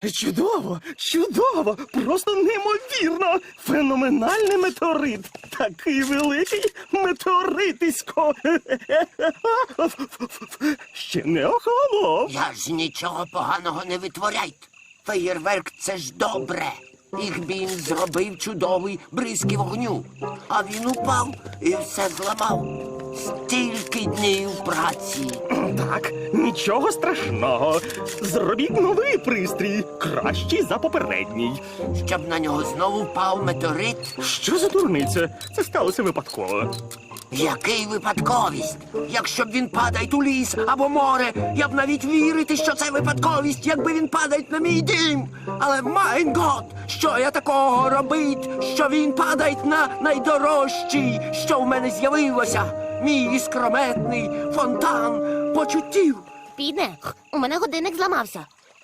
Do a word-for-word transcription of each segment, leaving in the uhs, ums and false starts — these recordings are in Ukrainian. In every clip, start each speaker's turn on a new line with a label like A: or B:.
A: Чудово, чудово, просто неймовірно. Феноменальний метеорит. Такий великий метеоритисько. Ще не охолонув.
B: Я ж нічого поганого не витворяйте. Феєрверк – це ж добре. Їх він зробив чудовий бризки вогню. А він упав і все зламав. Стільки днів праці.
A: Так, нічого страшного. Зробіть новий пристрій, кращий за попередній.
B: Щоб на нього знову впав метеорит.
A: Що за дурниця? Це сталося випадково.
B: Який випадковість? Якщо б він падає у ліс або море, я б навіть вірити, що це випадковість, якби він падає на мій дім. Але, майн гот, що я такого робить, що він падає на найдорожчий, що в мене з'явилося? Мій іскрометний фонтан почуттів.
C: Підне, у мене годинник зламався.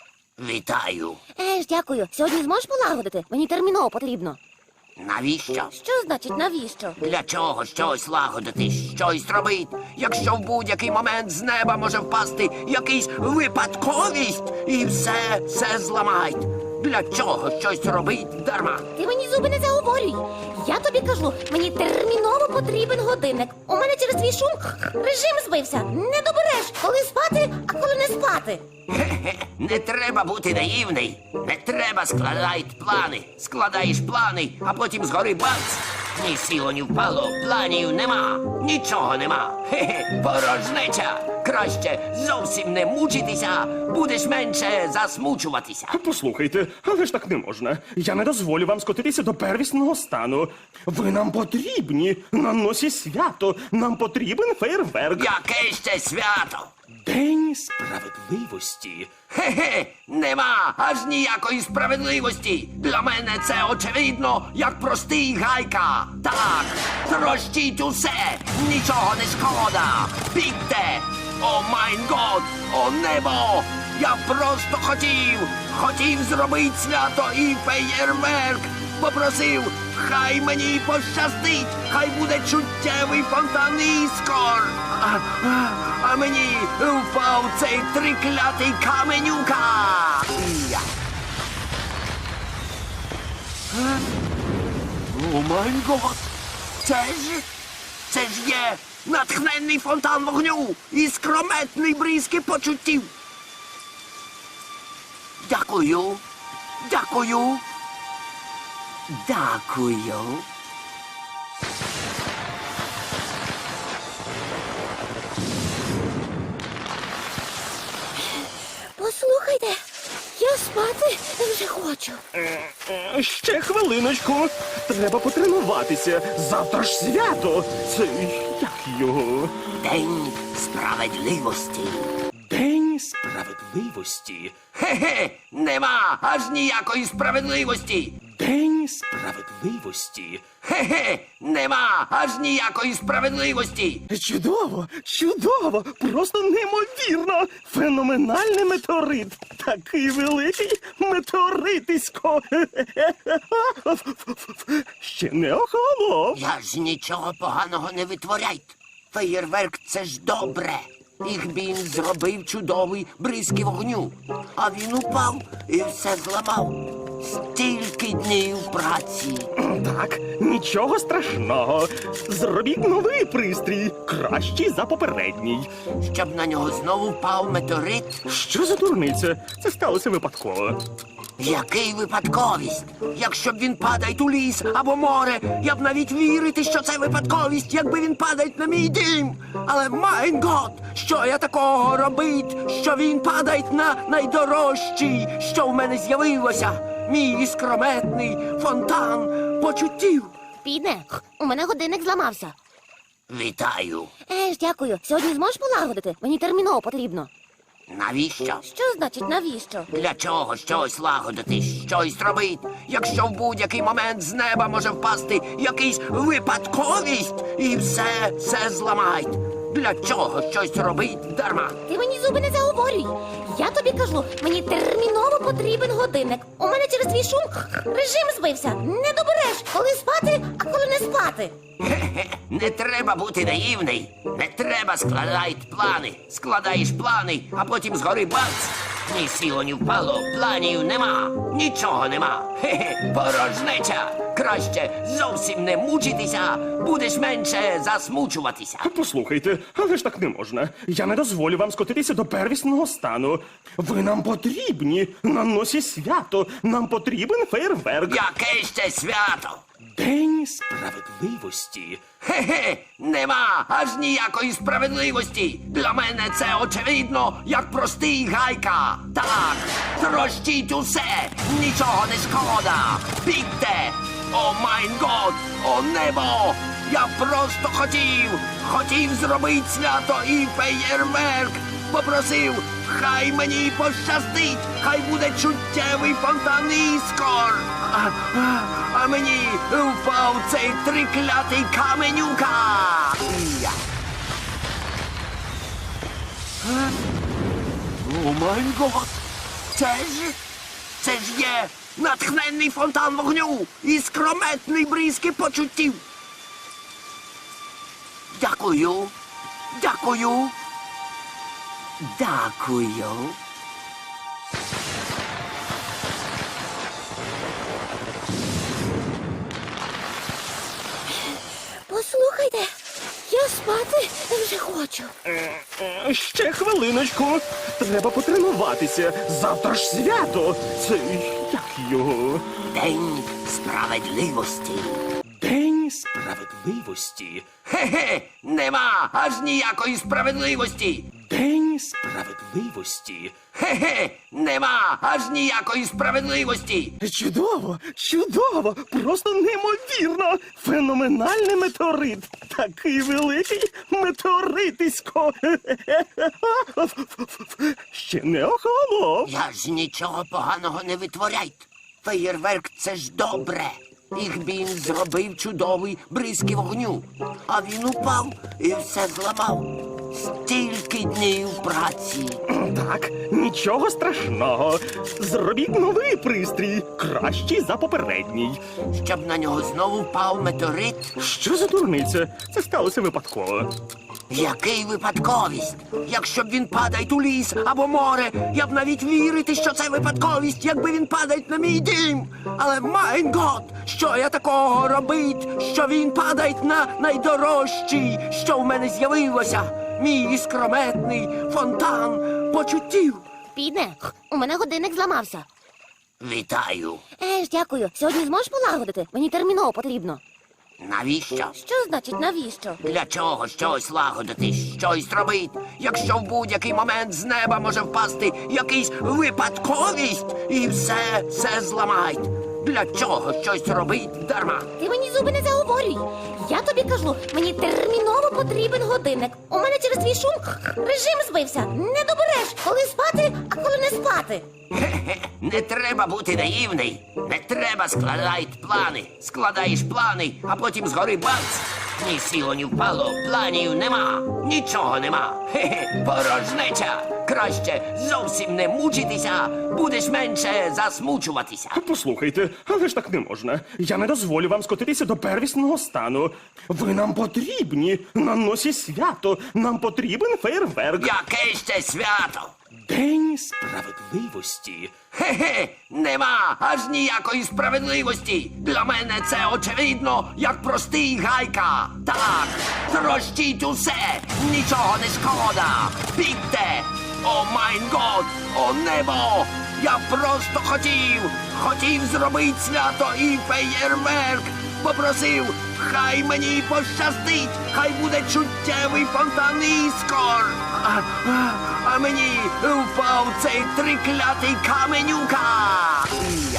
B: Вітаю.
C: Е ж, дякую. Сьогодні зможеш полагодити? Мені терміново потрібно.
B: Навіщо?
C: Що значить навіщо?
B: Для чого щось лагодити, щось робить, якщо в будь-який момент з неба може впасти якийсь випадковість і все, все зламають? Для чого щось робить дарма?
C: Ти мені зуби не заговорюй. Я тобі кажу, мені терміново потрібен годинник. У мене через твій шум режим збився. Не добереш, коли спати, а коли не спати.
B: Хе-хе, не треба бути наївний. Не треба складати плани. Складаєш плани, а потім згори бац. Ні сіло, ні впало, планів нема. Нічого нема. Хе-хе, порожнеча. Краще зовсім не мучитися, будеш менше засмучуватися.
A: Послухайте, але ж так не можна. Я не дозволю вам скотитися до первісного стану. Ви нам потрібні. На носі свято. Нам потрібен фейерверк.
B: Яке ще свято?
A: День справедливості.
B: Хе-хе, нема аж ніякої справедливості. Для мене це очевидно, як простий гайка. Так, трощіть усе, нічого не шкода. Бігте! О майн год, о небо! Я просто хотів, хотів зробити свято і феєрверк. Попросив, хай мені пощастить, хай буде чуттєвий фонтан іскор. А, а, а мені впав цей триклятий каменюка. Я. Е? О май гот! Це ж, це ж є натхненний фонтан вогню і скрометний бризки почуттів. Дякую, дякую, дякую.
C: Послухайте, я спати вже хочу.
A: Е, Ще хвилиночку. Треба потренуватися. Завтра ж свято. Це як його?
B: День справедливості.
A: День справедливості.
B: Хе-хе, нема аж ніякої справедливості.
A: День справедливості.
B: Хе-хе, нема аж ніякої справедливості.
A: Чудово, чудово, просто неймовірно. Феноменальний метеорит. Такий великий метеоритисько. Ще не охолонув.
B: Я ж нічого поганого не витворяйте. Феєрверк – це ж добре. Їх він зробив чудовий бризки вогню. А він упав і все зламав. Стільки днів праці.
A: Так, нічого страшного. Зробіть новий пристрій, кращий за попередній.
B: Щоб на нього знову впав метеорит.
A: Що за дурниця? Це сталося випадково.
B: Який випадковість? Якщо б він падає у ліс або море, я б навіть вірити, що це випадковість, якби він падає на мій дім. Але, майн гот, що я такого робить, що він падає на найдорожчий, що в мене з'явилося? Мій іскрометний фонтан почуттів.
C: Підне, у мене годинник зламався.
B: Вітаю.
C: Е ж, дякую. Сьогодні зможеш полагодити? Мені терміново потрібно.
B: Навіщо?
C: Що значить навіщо?
B: Для чого щось лагодити, щось робить, якщо в будь-який момент з неба може впасти якийсь випадковість і все, все зламають? Для чого щось робить дарма?
C: Ти мені зуби не заговорюй. Я тобі кажу, мені терміново потрібен годинник. У мене через твій шум режим збився. Не добереш, коли спати, а коли не спати.
B: Хе-хе, не треба бути наївний. Не треба складати плани. Складаєш плани, а потім згори бац. Ні сіло, ні впало, планів нема, нічого нема. Хе-хе, порожнеча. Краще зовсім не мучитися, будеш менше засмучуватися.
A: Послухайте, але ж так не можна. Я не дозволю вам скотитися до первісного стану. Ви нам потрібні на носі свято. Нам потрібен фейерверк.
B: Яке ще свято?
A: День справедливості.
B: Хе-хе, нема аж ніякої справедливості. Для мене це очевидно, як простий гайка. Так, трощіть усе, нічого не шкода. Бігте! О майн год, о небо! Я просто хотів, хотів зробити свято і феєрверк. Попросив, хай мені пощастить, хай буде чуттєвий фонтан іскор. А, а, а мені впав цей триклятий каменюка. Я. Е? О май гот! Це ж, це ж є натхненний фонтан вогню і скрометний бризки почуттів. Дякую, дякую. Дякую.
C: Послухайте, я спати вже хочу.
A: Е, Ще хвилиночку. Треба потренуватися. Завтра ж свято. Це як його?
B: День справедливості.
A: День справедливості.
B: Хе-хе, нема аж ніякої справедливості.
A: День справедливості.
B: Хе-хе, нема аж ніякої справедливості.
A: Чудово, чудово, просто неймовірно. Феноменальний метеорит. Такий великий метеоритисько. Ще не охолонув.
B: Я ж нічого поганого не витворяйте. Феєрверк — це ж добре. Їх він зробив чудовий бризки вогню. А він упав і все зламав. Стільки днів праці.
A: Так, нічого страшного. Зробіть новий пристрій, кращий за попередній.
B: Щоб на нього знову впав метеорит.
A: Що за дурниця? Це сталося випадково.
B: Який випадковість? Якщо б він падає у ліс або море, я б навіть вірити, що це випадковість, якби він падає на мій дім. Але майн гот, що я такого робить, що він падає на найдорожчий, що в мене з'явилося. Мій іскрометний фонтан почуттів.
C: Підне, у мене годинник зламався.
B: Вітаю.
C: Еж, дякую. Сьогодні зможеш полагодити? Мені терміново потрібно.
B: Навіщо?
C: Що значить навіщо?
B: Для чого щось лагодити, щось робити, якщо в будь-який момент з неба може впасти якийсь випадковість і все, все зламають. Для чого щось робить дарма?
C: Ти мені зуби не заговорюй. Я тобі кажу, мені терміново потрібен годинник. У мене через твій шум режим збився. Не добереш, коли спати, а коли не спати.
B: Хе-хе, не треба бути наївний. Не треба складати плани. Складаєш плани, а потім згори бац. Ні сіло, ні впало, планів нема, нічого нема. Хе-хе, порожнеча. Краще зовсім не мучитися, будеш менше засмучуватися.
A: Послухайте, але ж так не можна. Я не дозволю вам скотитися до первісного стану. Ви нам потрібні на носі свято. Нам потрібен фейерверк.
B: Яке ще свято?
A: День справедливості.
B: Хе-хе, нема аж ніякої справедливості. Для мене це очевидно, як простий гайка. Так, трощіть усе, нічого не шкода. Бігте! О майн год, о небо! Я просто хотів, хотів зробити свято і феєрверк. Попросив, хай мені пощастить, хай буде чуттєвий фонтан іскор. А, а, а мені впав цей триклятий каменюка. Я.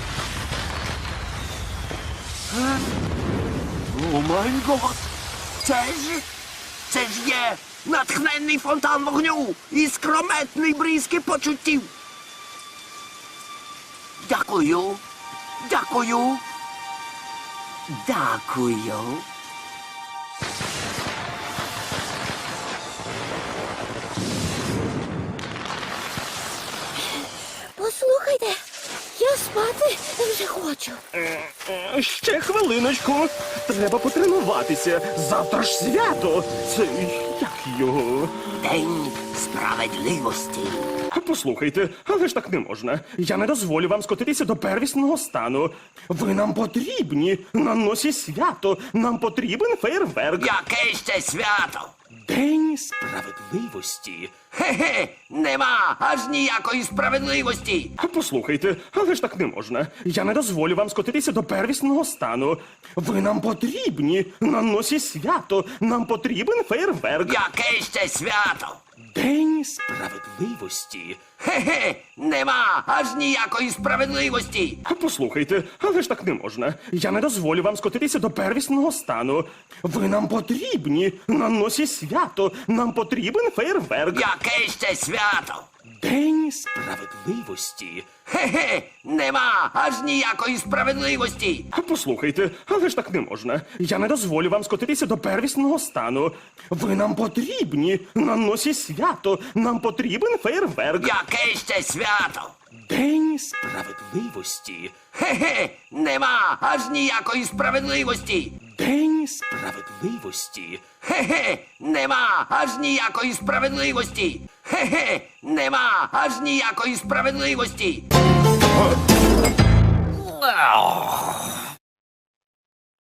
B: Е? О май гот! Це ж, це ж є натхненний фонтан вогню і скрометний бризки почуттів. Дякую, дякую. Дякую.
C: Послухайте, я спати вже хочу.
A: Е, Ще хвилиночку. Треба потренуватися. Завтра ж свято. Це як його?
B: День справедливості.
A: Послухайте, але ж так не можна. Я не дозволю вам скотитися до первісного стану. Ви нам потрібні на носі свято. Нам потрібен фейерверк.
B: Яке ще свято?
A: День справедливості.
B: Хе-хе, нема аж ніякої справедливості.
A: Послухайте, але ж так не можна. Я не дозволю вам скотитися до первісного стану. Ви нам потрібні на носі свято. Нам потрібен фейерверк.
B: Яке ще свято?
A: День справедливості.
B: Хе-хе, нема аж ніякої справедливості.
A: Послухайте, але ж так не можна. Я не дозволю вам скотитися до первісного стану. Ви нам потрібні на носі свято. Нам потрібен фейерверк.
B: Яке ще свято?
A: День справедливості.
B: Хе-хе, нема аж ніякої справедливості.
A: Послухайте, але ж так не можна. Я не дозволю вам скотитися до первісного стану. Ви нам потрібні на носі свято. Нам потрібен фейерверк.
B: Яке ще свято?
A: День справедливості.
B: Хе-хе, нема аж ніякої справедливості.
A: День справедливості.
B: Хе-хе, нема аж ніякої справедливості. Хе-хе, нема аж ніякої справедливості.
D: Ах.